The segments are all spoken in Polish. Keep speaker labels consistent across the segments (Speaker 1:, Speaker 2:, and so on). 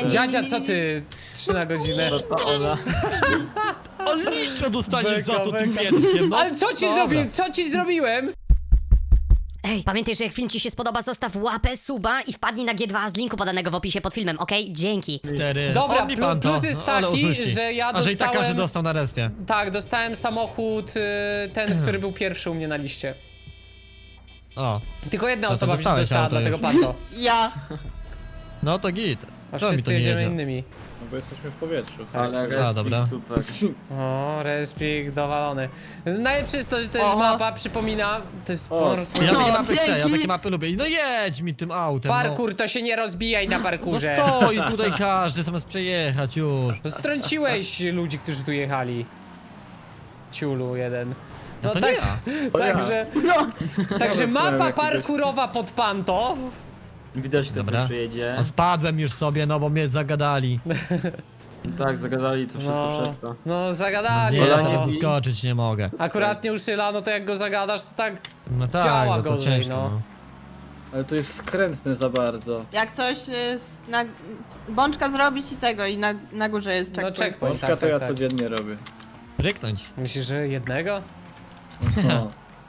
Speaker 1: Dziadzia, co ty? 3 na godzinę.
Speaker 2: No to ona.
Speaker 3: Ale liścia dostaniesz
Speaker 1: Beka,
Speaker 3: za to tym
Speaker 1: beka.
Speaker 3: miętkiem, no.
Speaker 1: Ale co ci
Speaker 3: Dobra.
Speaker 1: zrobiłem? Co ci zrobiłem?
Speaker 4: Ej, pamiętaj, że jak film ci się spodoba, zostaw łapę, suba i wpadnij na G2 z linku podanego w opisie pod filmem, okej? Dzięki.
Speaker 3: 4.
Speaker 1: Dobra,
Speaker 3: Odli pan to.
Speaker 1: plus jest
Speaker 3: No, ale
Speaker 1: taki,
Speaker 3: oszuści.
Speaker 1: że ja
Speaker 3: A że i tak każdy
Speaker 1: dostałem...
Speaker 3: dostał na respie.
Speaker 1: Tak, dostałem samochód, ten, który był pierwszy u mnie na liście.
Speaker 3: O,
Speaker 1: Tylko jedna
Speaker 3: to
Speaker 1: osoba mi się
Speaker 3: dostałeś
Speaker 1: dostała,
Speaker 3: auto
Speaker 1: dlatego
Speaker 3: już.
Speaker 1: panto.
Speaker 5: Ja.
Speaker 3: no to git.
Speaker 1: A
Speaker 3: Czemu mi to
Speaker 1: wszyscy
Speaker 3: nie
Speaker 1: jedziemy
Speaker 3: jedzie?
Speaker 1: innymi.
Speaker 6: No bo jesteśmy w powietrzu.
Speaker 2: Ale
Speaker 3: A, dobra.
Speaker 2: respik super.
Speaker 1: O, respik dowalony. Najlepsze jest to, że to jest
Speaker 5: O.
Speaker 1: mapa, przypomina, to jest
Speaker 6: O,
Speaker 1: parkour.
Speaker 3: Ja
Speaker 5: No,
Speaker 3: takie mapy chcę, ja
Speaker 5: dzięki.
Speaker 3: takie mapy lubię. No jedź mi tym autem,
Speaker 1: Parkour, to się nie rozbijaj na
Speaker 3: no.
Speaker 1: parkurze.
Speaker 3: No stoi tutaj każdy, zamiast przejechać już.
Speaker 1: No strąciłeś ludzi, którzy tu jechali. Ciulu jeden.
Speaker 3: No to nie ja.
Speaker 1: Także,
Speaker 5: No.
Speaker 1: także
Speaker 6: Nawet
Speaker 1: mapa
Speaker 6: jakiegoś-
Speaker 1: parkurowa pod panto.
Speaker 2: Widać, kto
Speaker 3: Dobra.
Speaker 2: tu przyjedzie.
Speaker 3: No spadłem już sobie, no bo mnie zagadali.
Speaker 2: Tak, zagadali to wszystko przez to.
Speaker 1: No zagadali.
Speaker 3: Nie, ja
Speaker 2: Polanie
Speaker 3: teraz
Speaker 2: i-
Speaker 3: zaskoczyć nie mogę.
Speaker 1: Akurat nie uszyla, no to jak go zagadasz, to tak.
Speaker 3: No tak,
Speaker 1: Działa
Speaker 3: no to
Speaker 1: gorzej,
Speaker 3: ciężko,
Speaker 1: no.
Speaker 3: no.
Speaker 6: Ale to jest skrętne za bardzo.
Speaker 5: Jak coś na bączka zrobić i tego i na górze jest
Speaker 1: No
Speaker 5: checkpoint.
Speaker 1: checkpoint,
Speaker 6: Pączka
Speaker 1: tak,
Speaker 6: to ja
Speaker 1: tak, tak.
Speaker 6: codziennie robię.
Speaker 3: Ryknąć.
Speaker 1: Myślisz, że jednego?
Speaker 6: No.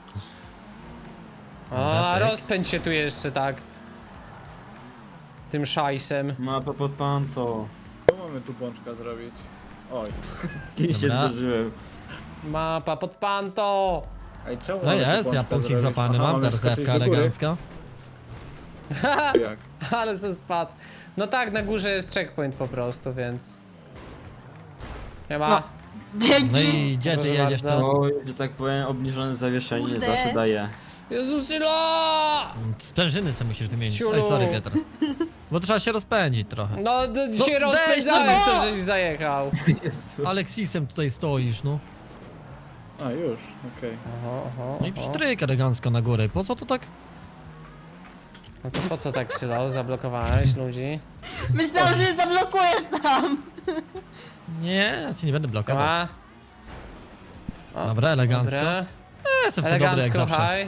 Speaker 1: A,
Speaker 3: tak.
Speaker 1: rozpędź się tu jeszcze, tak. Tym szajsem.
Speaker 2: Mapa pod panto.
Speaker 6: Co mamy tu pączka zrobić? Oj.
Speaker 2: Kiedyś się
Speaker 3: Dobra.
Speaker 2: zdarzyłem.
Speaker 1: Mapa pod panto!
Speaker 6: Ej, czemu
Speaker 3: No
Speaker 6: mamy tu
Speaker 3: jest, ja
Speaker 6: pączka
Speaker 3: punkcik
Speaker 6: zrobić?
Speaker 3: złapany
Speaker 6: Aha,
Speaker 3: mam,
Speaker 6: mamy
Speaker 3: teraz
Speaker 6: skoczyć
Speaker 3: F-ka
Speaker 6: do góry?
Speaker 3: elegancko.
Speaker 6: Czy jak?
Speaker 1: Ale se spadł. No tak, na górze jest checkpoint po prostu, więc... Nie ma.
Speaker 5: No. Dzięki.
Speaker 3: No i gdzie ty
Speaker 1: Proszę
Speaker 3: jedziesz
Speaker 1: bardzo.
Speaker 3: to?
Speaker 2: Oj, że tak powiem, obniżone zawieszenie
Speaker 5: Kurde.
Speaker 2: zawsze daje.
Speaker 1: Jezusyla!
Speaker 3: Sprężyny sobie musisz wymienić.
Speaker 1: Ciulu.
Speaker 3: Oj, sorry Piotr. Bo trzeba się rozpędzić trochę.
Speaker 1: No, się
Speaker 3: weź,
Speaker 1: rozpędzałem,
Speaker 3: no
Speaker 1: to żeś zajechał.
Speaker 2: Jezu.
Speaker 3: Aleksisem tutaj stoisz, no.
Speaker 6: A, już, okej.
Speaker 3: No i psztryk elegancko na górę. Po co to tak?
Speaker 1: No to po co tak, Sylo? Zablokowałeś ludzi?
Speaker 5: Myślałem, że zablokujesz tam.
Speaker 3: Nie, ja cię nie będę blokował.
Speaker 1: Ma. O,
Speaker 3: Dobra, elegancko.
Speaker 1: Dobra.
Speaker 3: Ja jestem w to dobry jak
Speaker 1: Elegancko,
Speaker 3: zawsze.
Speaker 1: haj.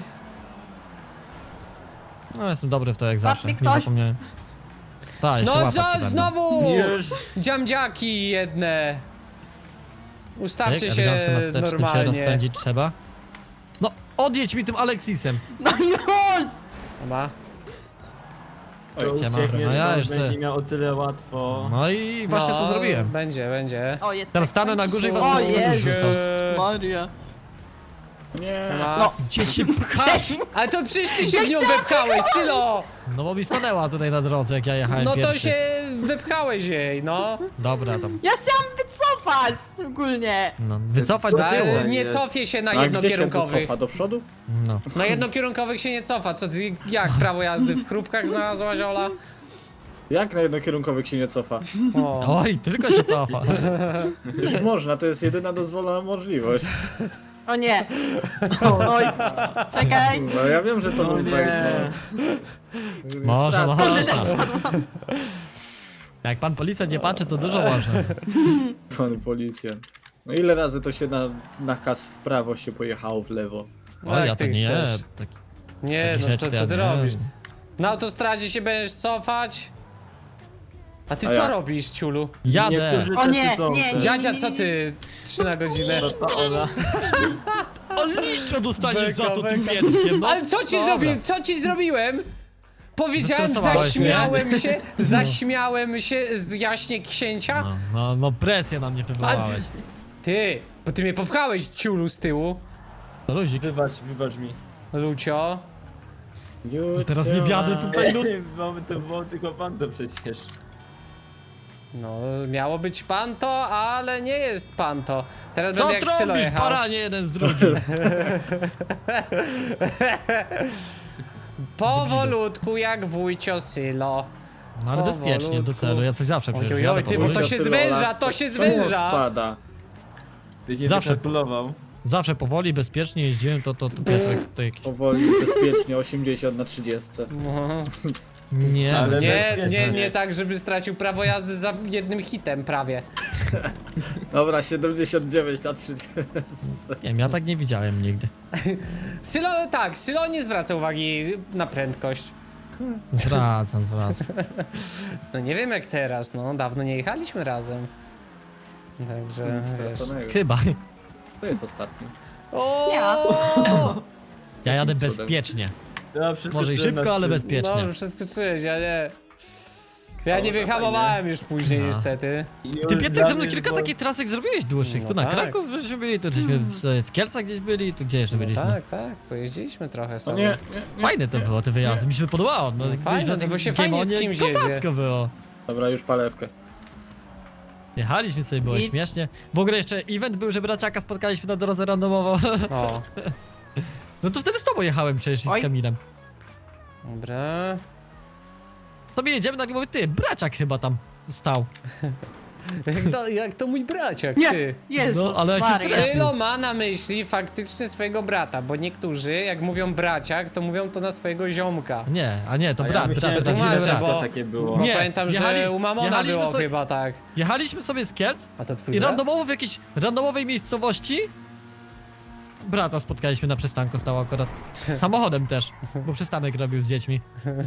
Speaker 3: No jestem dobry w to jak zawsze.
Speaker 5: mi
Speaker 3: Nie
Speaker 5: ktoś.
Speaker 3: zapomniałem. Tak, jeszcze
Speaker 1: No
Speaker 3: łapać
Speaker 1: co
Speaker 3: ci będę.
Speaker 1: znowu?
Speaker 2: Już.
Speaker 1: Dziamdziaki jedne. Ustawcie
Speaker 3: Tak,
Speaker 1: się
Speaker 3: elegancko na wstecznym się
Speaker 1: normalnie.
Speaker 3: rozpędzić trzeba. No, odjedź mi tym Aleksisem.
Speaker 5: No już.
Speaker 1: Dobra.
Speaker 2: To
Speaker 3: Siema.
Speaker 2: ucieknie
Speaker 3: No ja
Speaker 2: stąd,
Speaker 3: już se-
Speaker 2: będzie miał o tyle łatwo.
Speaker 3: No i właśnie to zrobiłem.
Speaker 1: Będzie, będzie.
Speaker 5: O, jest
Speaker 3: Teraz stanę na górze i was
Speaker 5: O,
Speaker 3: wszystkich
Speaker 5: Jezu.
Speaker 3: rzucą.
Speaker 5: Maria.
Speaker 6: Nie.
Speaker 1: Ma.
Speaker 5: No.
Speaker 3: Gdzie się pchasz?
Speaker 1: Ale to przecież ty się w nią wepchałeś, Sylo!
Speaker 3: No bo mi stanęła tutaj na drodze jak ja jechałem
Speaker 1: No to
Speaker 3: pierwszy.
Speaker 1: się wepchałeś jej, no.
Speaker 3: Dobra tam.
Speaker 5: Ja chciałam wycofać ogólnie.
Speaker 3: No, wycofać do tyłu.
Speaker 1: Ale nie
Speaker 2: jest.
Speaker 1: cofie się na
Speaker 6: A gdzie się tu
Speaker 1: jednokierunkowych.
Speaker 6: cofa? Do przodu?
Speaker 3: No.
Speaker 1: Na jednokierunkowych się nie cofa. Co ty, jak prawo jazdy w chrupkach znalazłaś, Ola?
Speaker 6: Jak na jednokierunkowych się nie cofa?
Speaker 1: O.
Speaker 3: Oj, tylko się cofa.
Speaker 6: Już można, to jest jedyna dozwolona możliwość.
Speaker 5: O nie. Oj. Czekaj.
Speaker 6: No ja wiem, że to
Speaker 2: No
Speaker 6: był
Speaker 2: nie.
Speaker 6: bait,
Speaker 3: Może,
Speaker 6: stracę.
Speaker 3: może. Jak pan policjant nie patrzy, to dużo może.
Speaker 6: Pan policjant. No ile razy to się na nakaz w prawo się pojechało w lewo?
Speaker 1: No
Speaker 3: O,
Speaker 1: jak
Speaker 3: ja
Speaker 1: ty
Speaker 3: to nie.
Speaker 1: chcesz?
Speaker 3: Taki,
Speaker 1: Nie,
Speaker 3: takie
Speaker 1: no
Speaker 3: rzeczy
Speaker 1: co
Speaker 3: to ja
Speaker 1: ty
Speaker 3: nie.
Speaker 1: robisz? Na autostradzie się będziesz cofać? A ty
Speaker 6: A
Speaker 1: co
Speaker 6: jak?
Speaker 1: robisz, ciulu?
Speaker 3: Jadę.
Speaker 2: Niektórzy
Speaker 5: O
Speaker 2: tacy
Speaker 5: nie,
Speaker 2: są
Speaker 5: nie,
Speaker 2: też.
Speaker 1: Dziadzia, co ty? 3 na godzinę.
Speaker 2: No to ona.
Speaker 3: Ale liścia dostaniesz
Speaker 1: Beka,
Speaker 3: za to tym
Speaker 1: beka.
Speaker 3: miętkiem, no.
Speaker 1: Ale co ci
Speaker 3: Dobra.
Speaker 1: zrobiłem? Co ci zrobiłem? Powiedziałem,
Speaker 3: Zestresowałeś
Speaker 1: zaśmiałem się z jaśnie księcia.
Speaker 3: No presję na mnie wywołałeś.
Speaker 1: Ty, bo ty mnie popchałeś, ciulu, z tyłu.
Speaker 3: To luzik.
Speaker 2: Wybacz mi.
Speaker 1: Lucio.
Speaker 3: Teraz nie wjadę tutaj, no.
Speaker 2: Mamy to było tylko pan to przecież.
Speaker 1: No, miało być panto, ale nie jest panto. Teraz
Speaker 3: Co
Speaker 1: będę jak Sylo
Speaker 3: trąbisz,
Speaker 1: jechał.
Speaker 3: paranie jeden z drugim?
Speaker 1: Powolutku jak wujcio Sylo.
Speaker 3: No ale bezpiecznie, do
Speaker 1: Powolutku.
Speaker 3: celu, ja coś zawsze przecież
Speaker 1: Oj,
Speaker 3: jadę
Speaker 1: ty, bo to
Speaker 3: powoli.
Speaker 1: się zwęża, to się zwęża.
Speaker 6: Spada.
Speaker 2: Ty nie
Speaker 3: Zawsze.
Speaker 2: wykalkulował.
Speaker 3: Zawsze powoli, bezpiecznie jeździłem, to Piotrek to jakiś...
Speaker 6: Powoli, bezpiecznie, 80 na 30.
Speaker 1: No.
Speaker 3: Nie,
Speaker 2: Ale
Speaker 1: Nie,
Speaker 2: bezpiecznie.
Speaker 1: nie tak, żeby stracił prawo jazdy za jednym hitem prawie.
Speaker 6: Dobra, 79 na 30.
Speaker 3: nie wiem, ja tak nie widziałem nigdy.
Speaker 1: Sylo, tak, Sylo nie zwraca uwagi na prędkość.
Speaker 3: Zwracam.
Speaker 1: No nie wiem jak teraz, no dawno nie jechaliśmy razem. Także wiesz.
Speaker 6: Straconego.
Speaker 3: Chyba.
Speaker 6: To jest ostatni.
Speaker 1: O!
Speaker 5: Ja.
Speaker 3: Ja jadę
Speaker 6: Cudem.
Speaker 3: bezpiecznie.
Speaker 2: Ja
Speaker 3: Może i szybko, ale bezpiecznie.
Speaker 1: No, przeskoczyłeś, ja nie. Ja nie wyhamowałem już później
Speaker 3: No.
Speaker 1: niestety.
Speaker 3: Ty Pietrek ze mną kilka takich trasek zrobiłeś dłuższych.
Speaker 1: No
Speaker 3: Tu na
Speaker 1: tak.
Speaker 3: Kraków żeśmy byli, tu żeśmy w Kielcach gdzieś byli, tu gdzie jeszcze
Speaker 1: No
Speaker 3: byliśmy.
Speaker 1: tak, tak, pojeździliśmy trochę
Speaker 6: No
Speaker 1: sobie.
Speaker 6: nie.
Speaker 3: Fajne to było, te wyjazdy, mi się to podobało. No, gdzieś
Speaker 1: fajne,
Speaker 3: na
Speaker 1: to bo
Speaker 3: tym
Speaker 1: się fajnie z
Speaker 3: Giemonie
Speaker 1: kimś jedzie.
Speaker 3: kozacko było.
Speaker 6: Dobra, już palewkę.
Speaker 3: Jechaliśmy sobie, było
Speaker 5: I-
Speaker 3: śmiesznie. W ogóle jeszcze event był, że braciaka spotkaliśmy na drodze randomowo.
Speaker 1: O,
Speaker 3: No to wtedy z tobą jechałem przecież i z
Speaker 5: Oj.
Speaker 3: Kamilem.
Speaker 1: dobra.
Speaker 3: Tobie jedziemy, nagle mówię, ty, braciak chyba tam stał.
Speaker 1: Jak to mój braciak,
Speaker 5: Nie.
Speaker 1: ty.
Speaker 5: Jezus
Speaker 3: No, ale jaki
Speaker 5: Maria.
Speaker 3: sens?
Speaker 1: Sylo ma na myśli faktycznie swojego brata, bo niektórzy jak mówią braciak, to mówią to na swojego ziomka.
Speaker 3: Nie, a nie, to
Speaker 2: A ja
Speaker 3: brat,
Speaker 2: myślałem,
Speaker 3: brat,
Speaker 1: to
Speaker 2: że
Speaker 3: prawdziwy
Speaker 1: tłumaczę,
Speaker 3: brat.
Speaker 1: bo-
Speaker 2: takie było.
Speaker 1: Bo
Speaker 3: Nie,
Speaker 1: pamiętam, że u Mamona
Speaker 3: jechaliśmy
Speaker 1: było
Speaker 3: sobie-
Speaker 1: chyba tak.
Speaker 3: Jechaliśmy sobie z Kielc
Speaker 1: A to twój
Speaker 3: i
Speaker 1: brat?
Speaker 3: randomowo w jakiejś randomowej miejscowości brata spotkaliśmy na przystanku, stał akurat samochodem też, bo przystanek robił z dziećmi.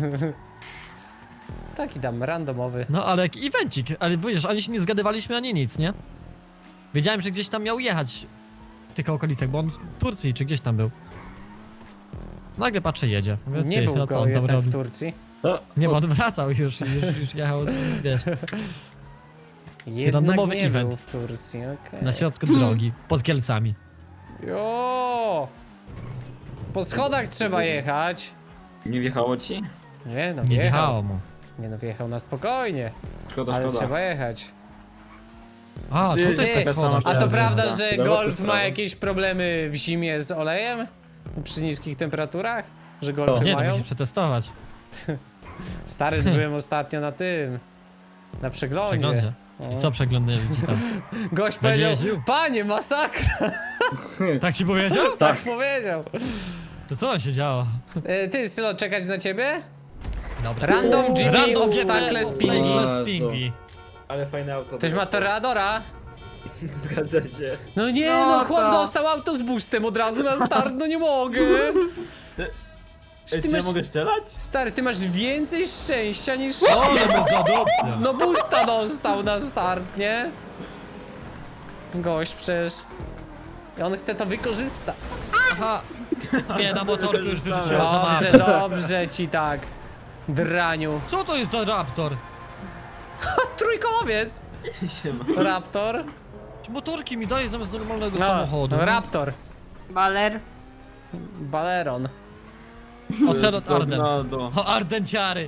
Speaker 1: Taki tam randomowy.
Speaker 3: No ale jak evencik, ale wiesz, ani się nie zgadywaliśmy, ani nic, nie? Wiedziałem, że gdzieś tam miał jechać w tych okolicach, bo on w Turcji czy gdzieś tam był. Nagle patrzę, jedzie. Mówię,
Speaker 1: Nie
Speaker 3: ty,
Speaker 1: był
Speaker 3: no co
Speaker 1: go
Speaker 3: on tam
Speaker 1: jednak
Speaker 3: robi?
Speaker 1: w Turcji.
Speaker 6: No,
Speaker 3: Nie, bo on wracał już jechał, wiesz,
Speaker 1: Jednak
Speaker 3: randomowy
Speaker 1: nie
Speaker 3: event.
Speaker 1: był w Turcji, okej.
Speaker 3: na środku drogi, pod Kielcami.
Speaker 1: Jo! Po schodach trzeba jechać.
Speaker 2: Nie wjechało ci?
Speaker 1: Nie no,
Speaker 3: Nie
Speaker 1: wjechał.
Speaker 3: wjechało mu.
Speaker 1: Nie no, wjechał na spokojnie.
Speaker 2: Szkoda,
Speaker 1: Ale
Speaker 2: szkoda.
Speaker 1: trzeba jechać.
Speaker 3: A,
Speaker 2: Ty,
Speaker 3: tutaj
Speaker 1: ty,
Speaker 3: jest ta schoda.
Speaker 1: A to
Speaker 2: Dobra.
Speaker 1: prawda,
Speaker 2: Dobra.
Speaker 1: że
Speaker 6: Dobra,
Speaker 1: Golf
Speaker 6: czy
Speaker 1: ma
Speaker 6: prawo?
Speaker 1: jakieś problemy w zimie z olejem? Przy niskich temperaturach? Że Golfy
Speaker 3: Nie, to
Speaker 1: mają?
Speaker 3: musisz przetestować.
Speaker 1: Stary, byłem ostatnio na tym. Na przeglądzie.
Speaker 3: Przeglądzie.
Speaker 1: O.
Speaker 3: I co przeglądali ci tam?
Speaker 1: Gość
Speaker 3: Będzie
Speaker 1: powiedział,
Speaker 3: jeździł?
Speaker 1: panie, masakra!
Speaker 3: Tak ci powiedział?
Speaker 1: Tak powiedział.
Speaker 3: To co on się działo?
Speaker 1: Ty, Sylo, czekać na ciebie?
Speaker 3: Dobra.
Speaker 1: Random GP
Speaker 3: Random
Speaker 1: obstacle spingi.
Speaker 3: obstacle spingi.
Speaker 2: Ale fajne auto.
Speaker 1: Ktoś ma Toreadora?
Speaker 2: Zgadza się.
Speaker 1: No nie,
Speaker 5: No
Speaker 1: no chłop
Speaker 5: to-
Speaker 1: dostał auto z boostem od razu na start, no nie mogę.
Speaker 2: Ej,
Speaker 1: Ty
Speaker 2: czy ja
Speaker 1: masz,
Speaker 2: mogę strzelać?
Speaker 1: stary, ty masz więcej szczęścia niż...
Speaker 3: Ale mu za adopcja.
Speaker 1: No boosta dostał na start, nie? Gość przecież. I on chce to wykorzystać.
Speaker 3: Aha. Nie, na motorku już wyrzuciłem za
Speaker 1: Dobrze,
Speaker 3: mapę.
Speaker 1: dobrze ci tak. Draniu.
Speaker 3: Co to jest za raptor?
Speaker 1: Trójkołowiec. Raptor.
Speaker 3: Motorki mi daje zamiast normalnego
Speaker 1: No,
Speaker 3: samochodu.
Speaker 1: no, Raptor.
Speaker 5: Baler.
Speaker 1: Baleron.
Speaker 3: Ocelot Arden.
Speaker 2: Tornado.
Speaker 3: O, Ardenciary.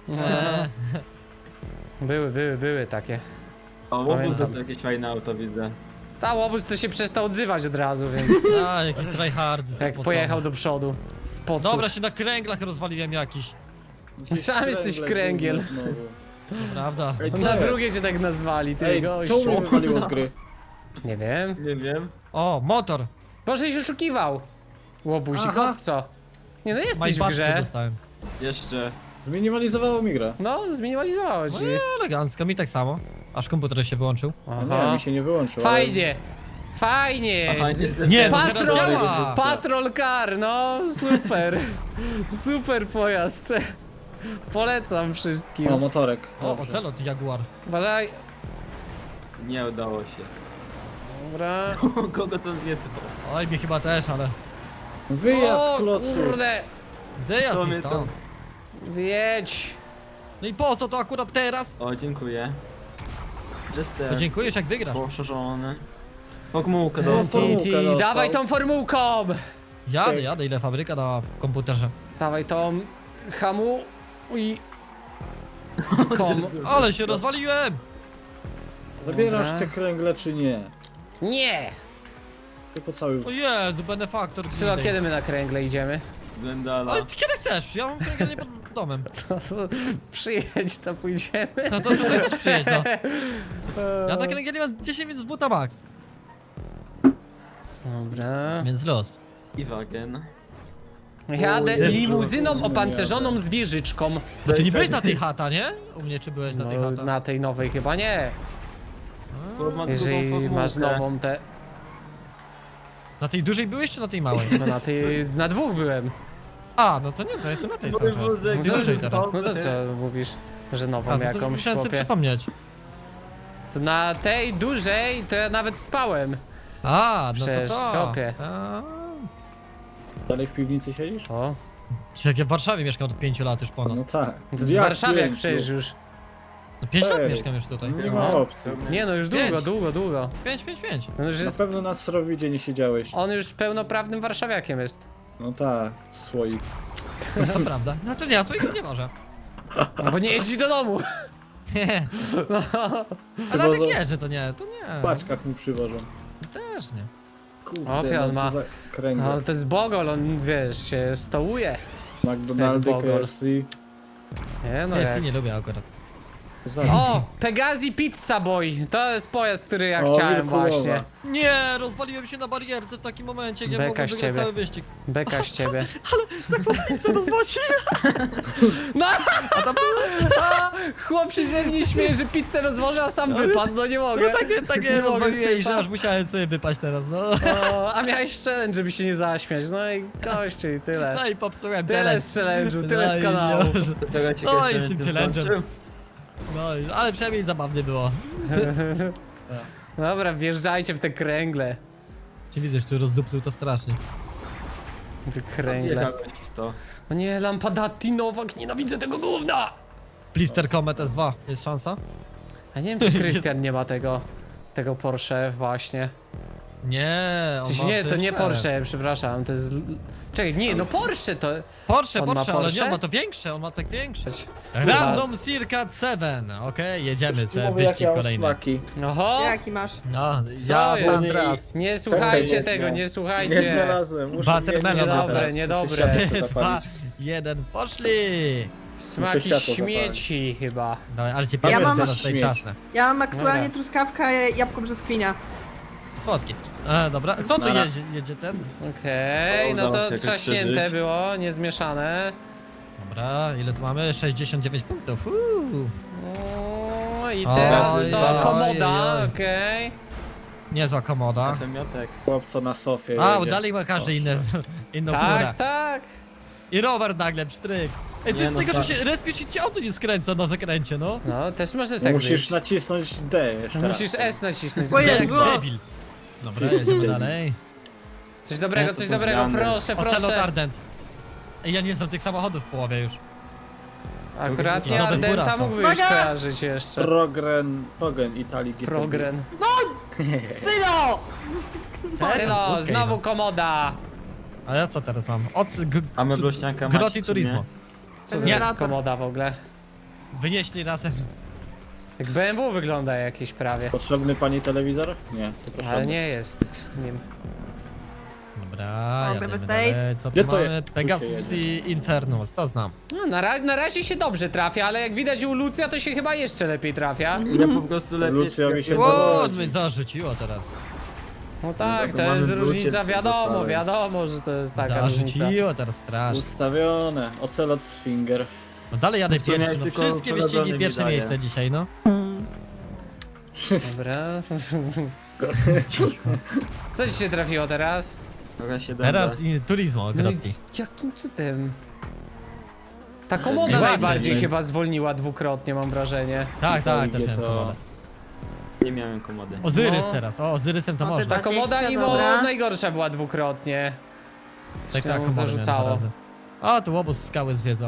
Speaker 1: Były takie.
Speaker 2: O, łobuz
Speaker 1: Pamiętam.
Speaker 2: to jakieś fajne auto widzę.
Speaker 1: Ta łobuz to się przestał odzywać od razu, więc
Speaker 3: A, jaki tryhard.
Speaker 1: jak pojechał do przodu. Spocł.
Speaker 3: Dobra, się na kręglach rozwaliłem jakiś.
Speaker 1: Sam jesteś kręgiel.
Speaker 6: Znowu.
Speaker 3: To prawda.
Speaker 6: Ej, co
Speaker 1: Na
Speaker 6: jest?
Speaker 1: drugie cię tak nazwali, ty
Speaker 6: Ej,
Speaker 1: gościu.
Speaker 6: czemu mnie wywaliło z gry?
Speaker 1: Nie wiem.
Speaker 2: Nie wiem.
Speaker 3: O, motor.
Speaker 1: Boże się oszukiwał. Łobuzik,
Speaker 6: Aha.
Speaker 1: od co? Nie no jesteś w
Speaker 3: Majbawszy
Speaker 1: grze.
Speaker 3: dostałem.
Speaker 2: Jeszcze.
Speaker 6: Zminimalizowało mi grę.
Speaker 1: No, zminializowało ci.
Speaker 3: Elegancko, mi tak samo. Aż komputer się wyłączył.
Speaker 6: No nie, mi się nie wyłączył.
Speaker 1: Fajnie. Fajnie.
Speaker 2: Aha,
Speaker 3: Nie, no teraz
Speaker 1: Patrol,
Speaker 3: działa.
Speaker 1: patrol car, no super. Super pojazd. Polecam wszystkim.
Speaker 6: O, motorek.
Speaker 3: O,
Speaker 6: Dobrze.
Speaker 3: ocelot Jaguar.
Speaker 1: Uważaj.
Speaker 2: Nie udało się.
Speaker 1: Dobra.
Speaker 2: Kogo to zniecło?
Speaker 3: Oj, mi chyba też, ale...
Speaker 6: Wyjazd
Speaker 1: O
Speaker 6: klocu.
Speaker 1: kurde.
Speaker 3: Wyjazd
Speaker 2: To
Speaker 3: mi
Speaker 2: mnie
Speaker 3: stąd.
Speaker 1: Wiedź.
Speaker 3: No i po co to akurat teraz?
Speaker 2: O, dziękuję. Jester.
Speaker 3: Podziękujesz jak wygrasz.
Speaker 2: Poszerzony. Pogmułkę
Speaker 6: No,
Speaker 2: dostał.
Speaker 6: formułkę
Speaker 1: Titi,
Speaker 6: dostał.
Speaker 1: dawaj tą formułką.
Speaker 3: Jadę, ile fabryka dała w komputerze.
Speaker 1: Dawaj tą hamu i kom.
Speaker 3: Ale się rozwaliłem!
Speaker 6: Zabierasz
Speaker 1: Dobra.
Speaker 6: te kręgle czy nie?
Speaker 1: Nie!
Speaker 6: Tylko cały...
Speaker 3: O Jezu, benefaktor.
Speaker 1: Sylo, kiedy my na kręgle idziemy?
Speaker 2: Glendala.
Speaker 3: Ale ty kiedy chcesz? Ja mam kręgiel pod domem.
Speaker 1: Przyjedź, to pójdziemy.
Speaker 3: No to tutaj też przyjedź, no. Ja na kręgiel mam 10 minut z buta max.
Speaker 1: Dobra.
Speaker 3: Więc los.
Speaker 2: I wagen.
Speaker 1: Jadę
Speaker 6: Jezu,
Speaker 1: limuzyną
Speaker 6: nie
Speaker 1: opancerzoną
Speaker 6: jadę.
Speaker 1: z wieżyczką.
Speaker 3: No ty nie byłeś na tej chata, nie? U mnie czy byłeś na tej
Speaker 1: No,
Speaker 3: chata?
Speaker 1: na tej nowej chyba nie.
Speaker 2: Bo ma
Speaker 1: Jeżeli
Speaker 2: drugą formułkę.
Speaker 1: masz nową te...
Speaker 3: Na tej dużej byłeś czy na tej małej?
Speaker 1: No na tej... na dwóch byłem.
Speaker 3: A, no to nie, to jestem na tej cały czas.
Speaker 2: wózek,
Speaker 3: Mówię wyżej teraz.
Speaker 1: No to co mówisz? Że nową
Speaker 3: A, no to
Speaker 1: jakąś
Speaker 3: musiałem sobie
Speaker 1: chłopie?
Speaker 3: przypomnieć.
Speaker 1: To na tej dużej to ja nawet spałem.
Speaker 3: A, no
Speaker 1: Przecież,
Speaker 3: to to.
Speaker 1: chłopie.
Speaker 3: A.
Speaker 6: Dalej w piwnicy siedzisz?
Speaker 1: O,
Speaker 3: Jak ja w Warszawie mieszkam od 5 lat już ponad.
Speaker 6: No tak.
Speaker 1: to z
Speaker 6: Jak
Speaker 1: Warszawy jak
Speaker 6: pięciu?
Speaker 1: przecież już.
Speaker 3: No 5 lat
Speaker 6: Ej.
Speaker 3: mieszkam już tutaj.
Speaker 6: Nie ma opcji.
Speaker 1: Nie no, już długo, długo.
Speaker 3: 5.
Speaker 1: On już
Speaker 6: Na
Speaker 1: jest,
Speaker 6: pewno na Srowidzie nie siedziałeś.
Speaker 1: on już pełnoprawnym warszawiakiem jest.
Speaker 6: No tak, słoik.
Speaker 3: To prawda. Znaczy nie, swojego nie może.
Speaker 1: Bo nie jeździ do domu.
Speaker 3: Nie.
Speaker 1: No.
Speaker 3: Ale tak
Speaker 6: Przywożą-
Speaker 3: nie, że to nie, to nie.
Speaker 6: W paczkach mi przywożą.
Speaker 3: Też nie.
Speaker 6: Kurde,
Speaker 1: Opie, on
Speaker 6: no
Speaker 1: ma-
Speaker 6: co za kręgle.
Speaker 1: Ale to jest bogol, on wiesz, się stołuje.
Speaker 6: McDonaldy,
Speaker 1: jak bogol.
Speaker 6: KFC.
Speaker 1: Nie no
Speaker 3: Nie,
Speaker 1: jak.
Speaker 3: nie lubię akurat.
Speaker 1: O! Pegasi Pizza Boy! To jest pojazd, który ja
Speaker 6: O,
Speaker 1: chciałem
Speaker 6: Wilkulowa.
Speaker 1: właśnie.
Speaker 3: Nie, rozwaliłem się na barierce w takim momencie, nie
Speaker 1: Beka
Speaker 3: mogłem
Speaker 1: z
Speaker 3: wygrać
Speaker 1: ciebie.
Speaker 3: cały wyścig.
Speaker 1: Beka z ciebie.
Speaker 3: Co rozwaliłem?
Speaker 1: No! A, chłop się ze mnie śmieje, że pizzę rozwożę, a sam wypadł, no nie mogę.
Speaker 3: No takie
Speaker 1: Nie mogę z
Speaker 3: rozwaliłeś,
Speaker 1: tym
Speaker 3: że aż musiałem sobie wypaść teraz, no.
Speaker 1: O, a miałeś challenge, żeby się nie zaśmiać. No i gościu i tyle.
Speaker 3: No i popsułem
Speaker 1: Tyle
Speaker 3: challenge.
Speaker 1: z challenge'u, tyle
Speaker 3: No
Speaker 1: z
Speaker 3: i
Speaker 1: kanału.
Speaker 3: już.
Speaker 2: Czekaj,
Speaker 3: No i
Speaker 2: czy
Speaker 3: z tym
Speaker 2: nie
Speaker 3: challenge'em.
Speaker 2: skończył?
Speaker 3: No, ale przynajmniej zabawnie było.
Speaker 1: Dobra, wjeżdżajcie w te kręgle.
Speaker 3: Czy widzę, że tu rozdupcył to strasznie.
Speaker 1: Te kręgle.
Speaker 2: Wjechałeś w to.
Speaker 1: O nie, Lampadati Nowak, nienawidzę tego gówna!
Speaker 3: Blister Comet S2, jest szansa?
Speaker 1: A nie wiem, czy Krystian nie ma tego Porsche właśnie.
Speaker 3: Nie,
Speaker 1: W
Speaker 3: on
Speaker 1: sensie
Speaker 3: ma
Speaker 1: nie, to nie
Speaker 3: przecież
Speaker 1: Porsche, przepraszam, to jest... Czekaj, nie, no Porsche to...
Speaker 3: Porsche,
Speaker 1: On ma
Speaker 3: Porsche, ale
Speaker 1: Porsche?
Speaker 3: nie, on ma to większe, on ma tak większe.
Speaker 1: Raz.
Speaker 3: Random Circa 7, okej, jedziemy sobie,
Speaker 6: Mówię, jak
Speaker 3: wyścig
Speaker 6: ja mam
Speaker 3: kolejny.
Speaker 6: smaki.
Speaker 1: Oho!
Speaker 5: Jaki masz?
Speaker 3: No,
Speaker 1: Co
Speaker 3: ja
Speaker 1: jest?
Speaker 3: Sandras.
Speaker 1: Nie słuchajcie
Speaker 6: nie,
Speaker 1: tego,
Speaker 6: nie.
Speaker 1: nie
Speaker 6: Nie
Speaker 1: słuchajcie.
Speaker 6: znalazłem. Muszę
Speaker 3: Watermelon
Speaker 1: Niedobre,
Speaker 3: teraz.
Speaker 1: niedobre.
Speaker 6: Muszę światło
Speaker 3: 2,
Speaker 6: zapalić.
Speaker 3: 1, poszli!
Speaker 1: Smaki
Speaker 6: światło
Speaker 1: śmieci chyba.
Speaker 3: Dawaj, ale cię
Speaker 6: Ja
Speaker 3: pierwszy
Speaker 5: mam
Speaker 3: zaraz tutaj
Speaker 6: śmieć.
Speaker 3: czasne.
Speaker 5: Ja mam aktualnie
Speaker 1: Dobra.
Speaker 5: truskawkę, jabłko brzoskwinia.
Speaker 3: Słodki. Dobra, kto tu
Speaker 2: Nara.
Speaker 3: jedzie ten?
Speaker 1: Okej, no
Speaker 2: Udało się
Speaker 1: to
Speaker 2: jakoś
Speaker 1: trzaśnięte
Speaker 2: przeżyć.
Speaker 1: było, niezmieszane.
Speaker 3: Dobra, ile tu mamy? 69 punktów. Uuu.
Speaker 1: O, i
Speaker 3: Oj,
Speaker 1: teraz co?
Speaker 3: oj,
Speaker 1: Komoda,
Speaker 3: oj.
Speaker 1: okej.
Speaker 3: Niezła komoda.
Speaker 2: Femiotek.
Speaker 6: Chłopco na sofie
Speaker 3: A,
Speaker 6: jedzie.
Speaker 3: dalej ma każdy inną furę.
Speaker 1: Tak, tak.
Speaker 3: I rower nagle, pstryk. Ej, to
Speaker 2: Nie,
Speaker 3: jest
Speaker 2: no
Speaker 3: tego, że
Speaker 2: tak.
Speaker 3: się respisz i cię auto nie skręca na zakręcie, no.
Speaker 1: No, też może
Speaker 6: No
Speaker 1: tak
Speaker 6: musisz
Speaker 1: być.
Speaker 6: nacisnąć D jeszcze raz.
Speaker 1: Musisz S nacisnąć.
Speaker 5: Bo
Speaker 3: Jak
Speaker 5: Jezu.
Speaker 3: debil. Dobra, jedziemy dalej.
Speaker 1: Coś dobrego,
Speaker 2: Nie,
Speaker 1: coś
Speaker 2: to są
Speaker 1: dobrego,
Speaker 2: zmiany.
Speaker 1: proszę,
Speaker 3: Ocelot
Speaker 1: proszę.
Speaker 3: Ardent. Ej, ja nie znam tych samochodów w połowie już.
Speaker 1: Akurat nie
Speaker 3: Nowe
Speaker 1: Ardenta
Speaker 3: fura są.
Speaker 1: mógłbyś
Speaker 5: Uwaga!
Speaker 1: kojarzyć jeszcze.
Speaker 6: Progen Italii GTB.
Speaker 1: Progren.
Speaker 5: Syno!
Speaker 1: Tylo,
Speaker 3: Okej,
Speaker 1: znowu
Speaker 3: no.
Speaker 1: komoda.
Speaker 3: A ja co teraz mam?
Speaker 2: A my Blośniaka
Speaker 3: Groti
Speaker 2: macie, czy
Speaker 3: Turismo.
Speaker 2: nie?
Speaker 1: Co to
Speaker 3: Nie.
Speaker 1: jest komoda w ogóle?
Speaker 3: Wynieśli razem.
Speaker 1: Jak BMW wygląda jakieś prawie.
Speaker 6: Potrzebny pani telewizor? Nie, to proszę.
Speaker 1: Ale nie jest nim.
Speaker 3: Dobra,
Speaker 5: Mogę
Speaker 3: jadę
Speaker 5: bez
Speaker 3: dalej.
Speaker 5: date?
Speaker 3: Co tu
Speaker 6: Gdzie to
Speaker 3: mamy?
Speaker 6: jest?
Speaker 3: Pegasi Infernus, to znam.
Speaker 1: No, na razie się dobrze trafia, ale jak widać u Lucja to się chyba jeszcze lepiej trafia.
Speaker 2: Ja po prostu lepiej...
Speaker 6: Lucjowi się
Speaker 3: O,
Speaker 6: dowodzi.
Speaker 3: mnie zarzuciło teraz.
Speaker 1: No tak,
Speaker 2: to
Speaker 1: to
Speaker 2: mamy
Speaker 1: jest
Speaker 2: wrócić
Speaker 1: różnica,
Speaker 2: do
Speaker 1: wiadomo,
Speaker 2: ustawy.
Speaker 1: wiadomo, że to jest taka różnica.
Speaker 3: Zarzuciło teraz strasznie.
Speaker 6: Ustawione. Ocelot Sfinger.
Speaker 3: No dalej jadę
Speaker 2: To nie,
Speaker 3: pierwszy, no
Speaker 2: tylko
Speaker 3: wszystkie wyścigi
Speaker 2: prowadzony
Speaker 3: pierwsze
Speaker 2: wydaje.
Speaker 3: miejsce dzisiaj, no.
Speaker 1: Dobra. Co ci się trafiło teraz?
Speaker 2: Trochę się
Speaker 3: Teraz i Turismo,
Speaker 1: No i
Speaker 3: Grotti.
Speaker 1: jakim cudem? Ta komoda
Speaker 3: Ładnie
Speaker 1: najbardziej
Speaker 6: jest.
Speaker 1: chyba zwolniła dwukrotnie, mam wrażenie.
Speaker 3: Tak, tak, też
Speaker 6: Idzie
Speaker 3: miałem
Speaker 6: to-
Speaker 3: komodę.
Speaker 2: Nie miałem komody.
Speaker 3: Ozyrys
Speaker 1: No.
Speaker 3: teraz, o Ozyrysem to
Speaker 5: O, ty
Speaker 3: można.
Speaker 1: Ta komoda
Speaker 5: 20,
Speaker 1: Imo
Speaker 5: dobra.
Speaker 1: najgorsza była dwukrotnie.
Speaker 3: Tak,
Speaker 1: Się
Speaker 3: tak,
Speaker 1: mu
Speaker 3: komodę miałem dwa
Speaker 1: zarzucało.
Speaker 3: razy. O, tu łobuz skały zwiedza.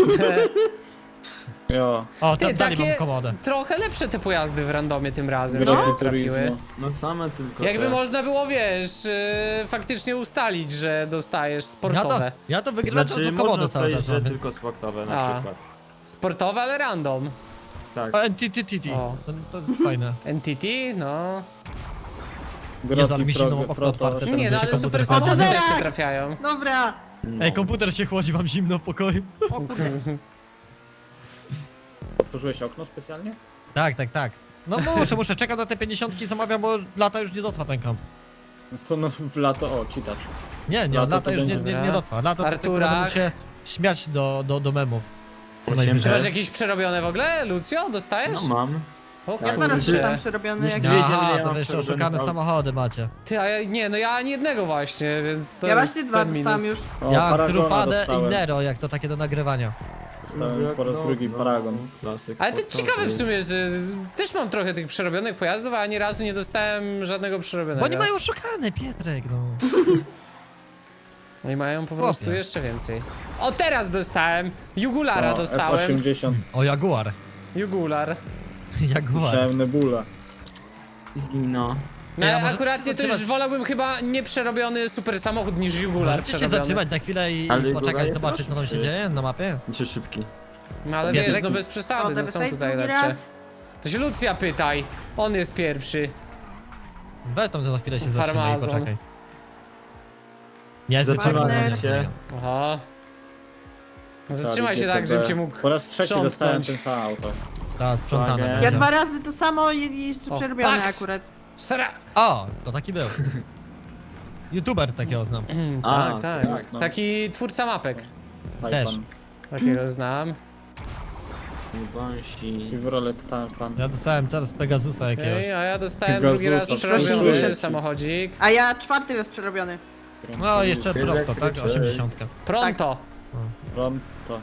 Speaker 6: Jo.
Speaker 3: O,
Speaker 1: Ty,
Speaker 3: tam dalej
Speaker 1: takie-
Speaker 3: mam komodę.
Speaker 1: Trochę lepsze te pojazdy w randomie tym razem
Speaker 6: Grotti
Speaker 1: się trafiły.
Speaker 6: Turismo.
Speaker 2: No same tylko
Speaker 1: Jakby
Speaker 2: te.
Speaker 1: można było, wiesz, faktycznie ustalić, że dostajesz sportowe.
Speaker 3: Ja to wygrywam
Speaker 2: Znaczy
Speaker 3: to
Speaker 2: można
Speaker 3: komodę cały
Speaker 2: powiedzieć,
Speaker 3: czas
Speaker 2: że
Speaker 3: mam, więc...
Speaker 2: tylko sportowe na
Speaker 1: A.
Speaker 2: przykład.
Speaker 1: Sportowe, ale random.
Speaker 2: Tak.
Speaker 3: O, NTTT,
Speaker 1: O.
Speaker 3: to jest fajne.
Speaker 1: Entity, no.
Speaker 3: Jezu, ale mi zimno, mam okno
Speaker 6: Proto.
Speaker 3: otwarte. Teraz
Speaker 1: Nie, no
Speaker 3: się
Speaker 1: ale
Speaker 3: komputer
Speaker 1: super
Speaker 3: chłodzi.
Speaker 1: samochody
Speaker 5: O, to
Speaker 1: też się
Speaker 5: tak!
Speaker 1: trafiają.
Speaker 5: Dobra.
Speaker 2: No.
Speaker 3: Ej, komputer się chłodzi, mam zimno w pokoju.
Speaker 5: O kurde.
Speaker 6: Otworzyłeś okno specjalnie?
Speaker 3: Tak, tak, tak. No muszę, czekam na te 50 zamawiam, bo lata już nie dotrwa ten komp.
Speaker 6: No to no w lato, o, czytacz.
Speaker 3: Nie,
Speaker 6: Lato
Speaker 3: lata
Speaker 6: to
Speaker 3: już nie
Speaker 1: będzie.
Speaker 3: dotrwa. Lato to tylko
Speaker 1: Arturach.
Speaker 3: będą się śmiać do memów. Co
Speaker 2: Osiem
Speaker 3: najwyżej.
Speaker 1: Ty masz jakieś przerobione w ogóle, Lucio? Dostajesz?
Speaker 2: No mam.
Speaker 1: O
Speaker 5: Ja teraz
Speaker 2: kurczę.
Speaker 5: jestem przerobiony
Speaker 2: Już
Speaker 5: jak...
Speaker 2: dwie- wiedział,
Speaker 3: Aha,
Speaker 2: ile ja
Speaker 3: to
Speaker 2: mam
Speaker 3: wy jeszcze
Speaker 2: przerobionych
Speaker 3: oszukane
Speaker 2: aut.
Speaker 3: samochody macie.
Speaker 1: Ty, a ja nie, no ja ani jednego właśnie, więc to
Speaker 5: Ja
Speaker 1: jest
Speaker 5: właśnie 2
Speaker 1: ten
Speaker 5: dostałam
Speaker 1: minus.
Speaker 5: już.
Speaker 6: O,
Speaker 3: Ja
Speaker 6: Paragona
Speaker 3: Trufadę i
Speaker 6: dostałem.
Speaker 3: Nero, jak to takie do nagrywania.
Speaker 6: Dostałem po raz drugi Paragon.
Speaker 2: Klasyk
Speaker 1: Ale to
Speaker 2: sportowy.
Speaker 1: ciekawe w sumie, że też mam trochę tych przerobionych pojazdów, a ani razu nie dostałem żadnego przerobionego.
Speaker 3: Bo oni mają oszukane, Pietrek, no.
Speaker 1: Oni mają po prostu
Speaker 3: Chłopie.
Speaker 1: jeszcze więcej. O, teraz dostałem! Jugulara
Speaker 6: O,
Speaker 1: dostałem.
Speaker 6: S80.
Speaker 3: O, Jaguar.
Speaker 1: Jugular.
Speaker 3: Jaguar.
Speaker 6: Słyszałem Nebula.
Speaker 2: Zgino.
Speaker 1: No,
Speaker 3: Ja może
Speaker 1: akuratnie to już
Speaker 3: zatrzymać-
Speaker 1: wolałbym chyba nieprzerobiony super samochód niż Jugular
Speaker 3: Możecie się
Speaker 1: przerobiony.
Speaker 3: zatrzymać na chwilę i
Speaker 2: Ale Jaguar
Speaker 3: poczekać,
Speaker 2: jest
Speaker 3: zobaczyć co tam się
Speaker 2: szybszy.
Speaker 3: dzieje na mapie?
Speaker 2: Czy szybki.
Speaker 1: No ale
Speaker 3: Ja
Speaker 1: wiesz,
Speaker 3: też
Speaker 1: no
Speaker 2: tu-
Speaker 1: bez
Speaker 5: O,
Speaker 1: przesady, no są
Speaker 5: Devastate
Speaker 1: tutaj
Speaker 5: drugi
Speaker 1: lepsze.
Speaker 5: raz.
Speaker 1: To się Lucja pytaj. On jest pierwszy.
Speaker 3: Weź tam za chwilę się zatrzymaj i
Speaker 1: Farmazon.
Speaker 3: poczekaj. Ja jestem
Speaker 2: Zatrzymałem
Speaker 3: Farmazon,
Speaker 2: się.
Speaker 3: nie.
Speaker 1: Aha. No zatrzymaj się
Speaker 6: GTB.
Speaker 1: tak, żebym cię mógł
Speaker 6: Po raz trzeci dostałem
Speaker 1: sprzątnąć.
Speaker 6: ten sam auto.
Speaker 3: Ta, sprzątane.
Speaker 2: Uwaga.
Speaker 5: Ja
Speaker 3: będzie.
Speaker 5: 2 razy to samo i jeszcze
Speaker 1: O,
Speaker 5: przerobione
Speaker 1: Pax!
Speaker 5: akurat.
Speaker 1: Sra...
Speaker 3: O, to taki był. YouTuber takiego znam.
Speaker 2: A,
Speaker 1: tak, tak.
Speaker 6: tak, no.
Speaker 1: Taki twórca mapek.
Speaker 3: Też.
Speaker 6: Taycan.
Speaker 1: Takiego znam.
Speaker 2: Banshee.
Speaker 6: Chevrolet Taycan.
Speaker 3: Ja dostałem teraz Pegasusa jakiegoś.
Speaker 1: Okej, a ja dostałem
Speaker 6: Pegasusa,
Speaker 1: drugi raz
Speaker 6: coś
Speaker 1: przerobiony
Speaker 6: jeszcze.
Speaker 1: samochodzik.
Speaker 5: A ja 4 raz przerobiony.
Speaker 3: No, jeszcze Pronto, tak?
Speaker 2: Elektryczek.
Speaker 3: 80.
Speaker 1: Pronto.
Speaker 6: Pronto.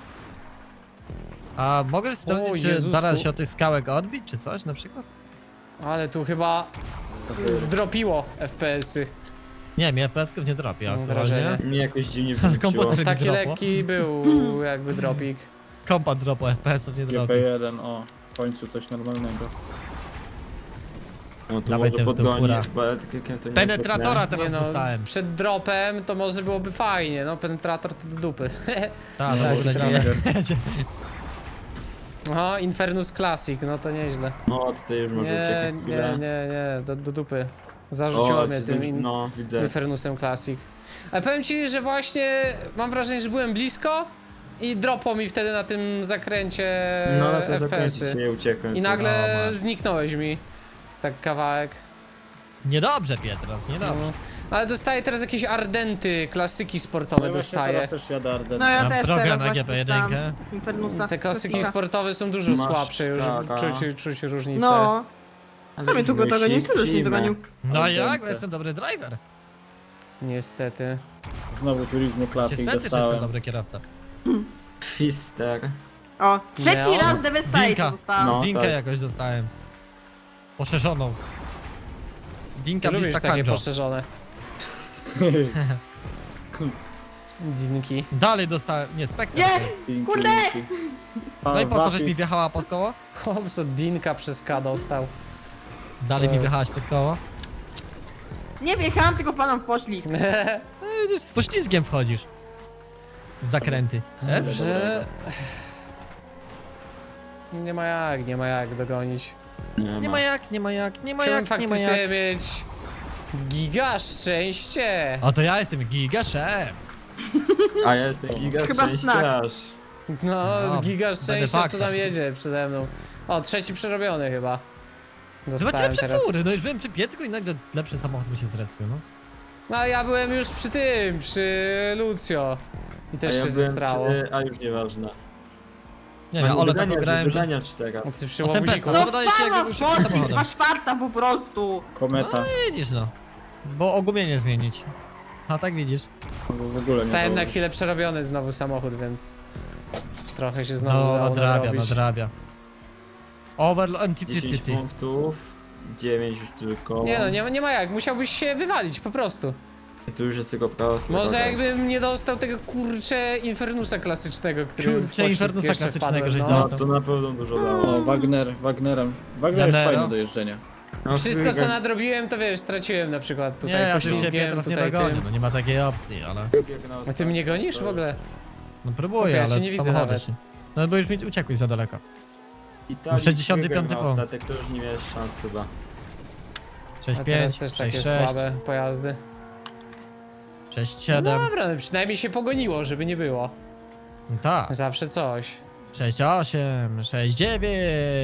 Speaker 3: A mogesz
Speaker 1: O,
Speaker 3: sprawdzić, czy
Speaker 1: Jezusku.
Speaker 3: da się od tych skałek odbić, czy coś na przykład?
Speaker 1: Ale tu chyba zdropiło FPS-y.
Speaker 3: Nie, mnie FPS-ków nie dropi
Speaker 1: Mam
Speaker 3: aktualnie.
Speaker 1: wrażenie.
Speaker 2: Mnie jakoś dziwnie
Speaker 3: Ale
Speaker 2: wyrzuciło.
Speaker 3: komputer
Speaker 1: Taki
Speaker 3: dropło.
Speaker 1: lekki był jakby dropik.
Speaker 3: Kompa dropu, FPS-ów nie dropi.
Speaker 6: GP1, o. W końcu coś normalnego.
Speaker 2: No tu
Speaker 3: Dawaj
Speaker 2: może
Speaker 3: tę fura.
Speaker 2: podgonić, bo ja tylko to nie
Speaker 3: Penetratora
Speaker 1: Nie
Speaker 3: teraz
Speaker 1: no,
Speaker 3: dostałem.
Speaker 1: przed dropem to może byłoby fajnie, no penetrator to do dupy.
Speaker 3: Tak,
Speaker 1: tak,
Speaker 3: w ogóle
Speaker 1: trochę.
Speaker 3: nie.
Speaker 1: Oho, Infernus Classic, no to nieźle.
Speaker 2: No tutaj już może
Speaker 1: Nie,
Speaker 2: uciekać
Speaker 1: nie,
Speaker 2: chwilę.
Speaker 1: nie, do dupy. Zarzuciło mnie
Speaker 2: się
Speaker 1: tym
Speaker 2: no, widzę.
Speaker 1: Infernusem Classic. Ale powiem ci, że właśnie mam wrażenie, że byłem blisko i dropło mi wtedy na tym zakręcie
Speaker 2: No ale to zakręcić
Speaker 1: FPS-y.
Speaker 2: nie uciekłem.
Speaker 1: I nagle
Speaker 3: O, masz.
Speaker 1: zniknąłeś mi. Tak kawałek.
Speaker 3: Niedobrze, Pietras, niedobrze.
Speaker 1: No. Ale dostaję teraz jakieś Ardenty, klasyki sportowe
Speaker 6: No właśnie
Speaker 1: dostaję.
Speaker 6: teraz też jadę Arden.
Speaker 5: No ja
Speaker 3: Mam
Speaker 5: też
Speaker 3: drogę
Speaker 5: teraz
Speaker 3: na
Speaker 5: właśnie
Speaker 3: GP1.
Speaker 5: dostałam Infernusa.
Speaker 1: Te klasyki
Speaker 5: Klasika.
Speaker 1: sportowe są dużo
Speaker 2: Masz
Speaker 1: słabsze już,
Speaker 2: taka.
Speaker 1: czuć różnicę.
Speaker 5: No,
Speaker 2: Ale
Speaker 5: a mnie tu go dogonił, co już mnie dogonił.
Speaker 3: No
Speaker 6: Ale
Speaker 3: jak? Bo
Speaker 6: piękne.
Speaker 3: jestem dobry driver.
Speaker 1: Niestety.
Speaker 6: Znowu Turismo Classic
Speaker 3: Niestety, że jestem
Speaker 6: dostałem.
Speaker 3: dobry kierowca.
Speaker 2: Fister.
Speaker 5: O, trzeci
Speaker 1: Miał.
Speaker 5: raz Devastate
Speaker 3: Dinka.
Speaker 5: dostałam.
Speaker 2: No.
Speaker 3: Dinkę
Speaker 2: tak.
Speaker 3: jakoś dostałem. Poszerzoną. Dinka
Speaker 1: Ty lubisz
Speaker 3: Vista
Speaker 1: takie
Speaker 3: Kanjo.
Speaker 1: poszerzone dinki.
Speaker 3: Dalej dostałem, nie, Spectre.
Speaker 5: Nie!
Speaker 3: to jest.
Speaker 6: Pinki,
Speaker 5: Kurde!
Speaker 6: Pinki.
Speaker 3: No i po co, żeś
Speaker 6: Wapi.
Speaker 3: mi wjechała pod koło?
Speaker 1: Chłop, co dinka przez K dostał.
Speaker 3: Dalej mi
Speaker 1: jest?
Speaker 3: wjechałaś pod koło?
Speaker 5: Nie wjechałam, tylko wpadłam w poślizg.
Speaker 3: No widzisz, z poślizgiem wchodzisz. W zakręty. F?
Speaker 1: Że... Nie ma jak dogonić.
Speaker 3: Nie ma jak, nie ma jak, nie ma
Speaker 1: Chciałbym
Speaker 3: jak, nie ma
Speaker 1: faktycznie
Speaker 3: jak.
Speaker 1: mieć giga szczęście.
Speaker 3: O, to ja jestem giga szef.
Speaker 2: A ja jestem giga
Speaker 5: Chyba w znak.
Speaker 2: szczęściarz.
Speaker 1: No,
Speaker 3: No,
Speaker 1: giga
Speaker 3: będę
Speaker 1: szczęścia, co
Speaker 3: faktem.
Speaker 1: tam jedzie przede mną. O, trzeci przerobiony chyba.
Speaker 3: Zobaczcie
Speaker 1: Dostałem
Speaker 3: lepsze
Speaker 1: teraz.
Speaker 3: fury, no już byłem przy Pietrku i nagle lepszy samochód mi się zrespił, no.
Speaker 1: No, a ja byłem już przy Lucio. I
Speaker 2: A
Speaker 1: też
Speaker 2: ja
Speaker 1: się
Speaker 2: byłem
Speaker 1: zestrało.
Speaker 2: A już nieważne.
Speaker 3: Nie wiem, ale tak grałem, że...
Speaker 2: Wydania czy teraz?
Speaker 1: O, ty przy
Speaker 3: O,
Speaker 1: łobuziku.
Speaker 3: Tempesta.
Speaker 5: No
Speaker 3: wydaje się,
Speaker 5: wpadłam
Speaker 3: jakby
Speaker 5: w
Speaker 3: był szybkim
Speaker 5: poślizg,
Speaker 3: samochodem.
Speaker 5: masz czwarta po prostu.
Speaker 6: Kometa.
Speaker 3: No widzisz no. Bo ogumienie zmienić. A tak widzisz.
Speaker 6: W ogóle nie
Speaker 1: Stałem na
Speaker 6: założyć.
Speaker 1: chwilę przerobiony znowu samochód, więc trochę się znowu
Speaker 3: No,
Speaker 1: udało
Speaker 3: nadrabia,
Speaker 1: nadrobić.
Speaker 3: nadrabia. Overload,
Speaker 2: 10 punktów, 9 już tylko.
Speaker 1: Nie no, nie ma jak, musiałbyś się wywalić po prostu.
Speaker 2: I tu już jest tylko prawo strona.
Speaker 1: Może jakbym nie dostał tego kurcze Infernusa klasycznego, który w
Speaker 3: Kurczę,
Speaker 1: poślizg
Speaker 3: Infernusa
Speaker 1: jeszcze
Speaker 3: klasycznego
Speaker 1: wpadłem,
Speaker 3: żeś
Speaker 1: no.
Speaker 2: No
Speaker 3: dostał.
Speaker 2: to na pewno dużo dało.
Speaker 6: O, Wagnerem. Wagner jest
Speaker 3: Janero.
Speaker 6: fajny do jeżdżenia.
Speaker 2: No,
Speaker 1: Wszystko co
Speaker 2: druga-
Speaker 1: nadrobiłem to wiesz, straciłem na przykład
Speaker 3: Nie,
Speaker 1: tutaj
Speaker 3: ja tu ciebie
Speaker 1: poślizgiem,
Speaker 3: teraz nie
Speaker 1: tutaj
Speaker 3: dogonię,
Speaker 1: tym.
Speaker 3: no nie ma takiej opcji, ale...
Speaker 1: A ty mnie gonisz w ogóle?
Speaker 3: No
Speaker 1: Okej,
Speaker 3: próbuję,
Speaker 1: ja cię
Speaker 3: ale
Speaker 1: nie widzę
Speaker 3: samochody
Speaker 1: nawet.
Speaker 3: się... No bo już mi uciekłeś za daleko.
Speaker 2: Italii
Speaker 3: 65
Speaker 2: wygrał na
Speaker 3: punkt.
Speaker 2: Ostatek to już nie miałeś szans chyba.
Speaker 3: 6-5,
Speaker 1: A teraz też takie
Speaker 3: 6-6,
Speaker 1: słabe pojazdy.
Speaker 3: 6-7.
Speaker 1: No dobra, no przynajmniej się pogoniło, żeby nie było.
Speaker 3: No tak.
Speaker 1: Zawsze coś.
Speaker 3: 6-8, 6-9.